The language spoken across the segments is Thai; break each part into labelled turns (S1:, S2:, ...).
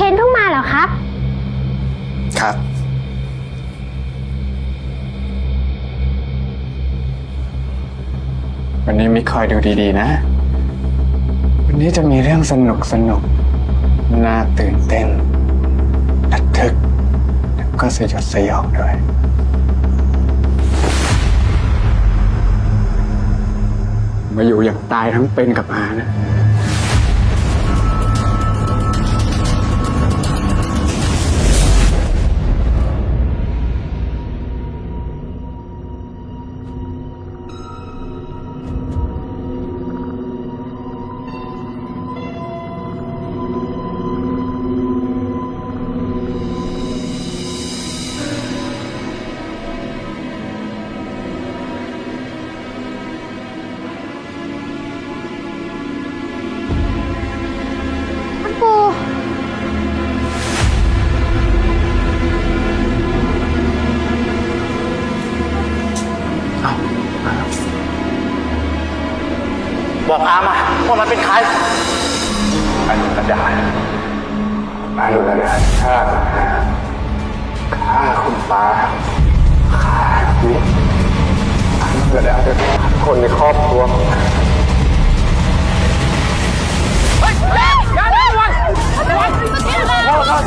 S1: นเพิ่งมาเหรอครับ
S2: ครับวันนี้มิกคอยดูดีๆนะวันนี้จะมีเรื่องสนุกน่าตื่นเต้นระทึกแล้วก็สยดสยองด้วยมาอยู่อย่างตายทั้งเป็นกับอานะ
S3: บอกอามาว่ามันเป็นใคร
S2: อนุรดาฆ่าคุณป้าฆ่าพี่อนุรดาจะฆ่าคนในครอบครัว
S3: เฮ้ยอย่าระวังพ่อครับ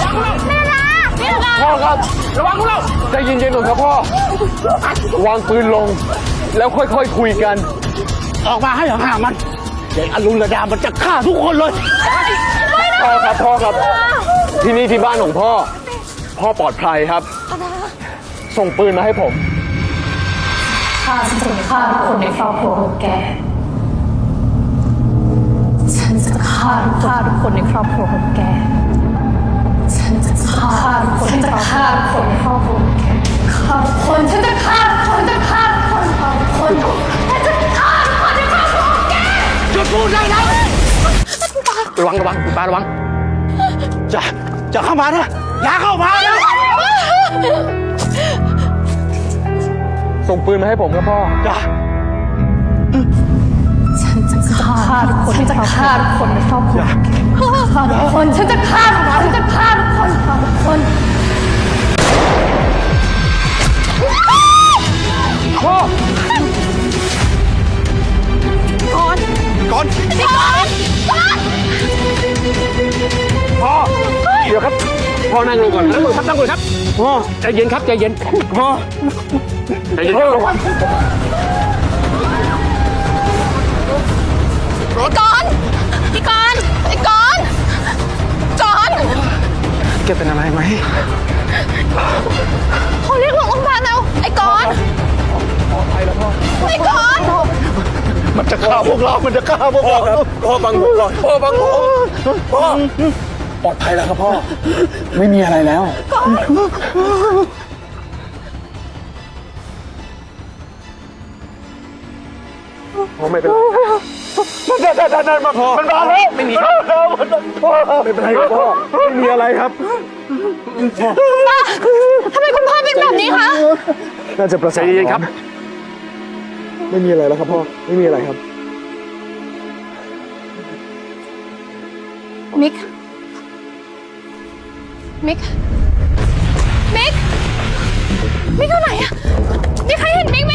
S3: พ่อครับระวังพวกเราใจเย็นๆหน่อยครับพ่อวางปืนลงแล้วค่อยๆคุยกันออกมาให้ห่างๆมันเด็กอรุณระดามันจะฆ่าทุกคนเลยพ่อครับที่นี่ที่บ้านของพ่อปลอดภัยครับส่งปืนมาให้ผม
S4: ข้าจะฆ่าทุกคนในครอบครัวของแกฉันจะฆ่าทุกคนในครอบครัวของแกฉันจะฆ่าทุกคนในครอบครัวของแกฆ่าทุกคนฉันจะฆ่าทุกคนฉันจะฆ่าทุกคนในครอบครัวของแก
S3: หยุดพูดได้แล้วระวังคุณป้าระวังจะเข้ามานะอย่าเข้ามานะส่งปืนมาให้ผมครับพ่อจ้ะ
S4: ฉันจะฆ่าทุกคนฉันจะฆ่าทุกคนในครอบครัวฆ่าทุกคนฉันจะฆ่าทุกคนทุกคน
S3: พ่อก่อนพ่อเดี๋ยวครับพ่อนั่งลงก่อนนั่งลงครับพ่อใจเย็นครับใจเย็นพ่อใจเย็นครับระวัง
S4: พี่กรณ์
S2: แกเป็นอะไรไหม
S4: เขาเรียกรถโรงพยาบาลแล้วไอ้กรณ์
S3: ไปแล้วพ่อ
S4: ไอ้กรณ์
S3: มันจะฆ่าพวกเราครับพ่อบังผมก่อนพ่อบังผมพ่อปลอดภัยแล้วครับพ่อ
S2: ไม่มีอะไรแล้วพ่อไม่เป็นไร
S3: นั่นมาพ่อมันมาแล้วไม่มีครับพ่อไม่เป็นไรครับพ่อไม่มีอะไรครับ
S4: ทำไมคุณพ่อเป็นแบบนี้คะ
S3: น่าจะประสาทดีครับไม่มีอะไรแล้วครับพ่อไม่มีอะไรครับ
S4: มิกอยู่ไหนอะมีใครเห็นมิกไหม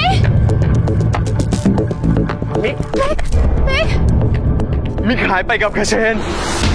S3: มิกหายไปกับกระเชน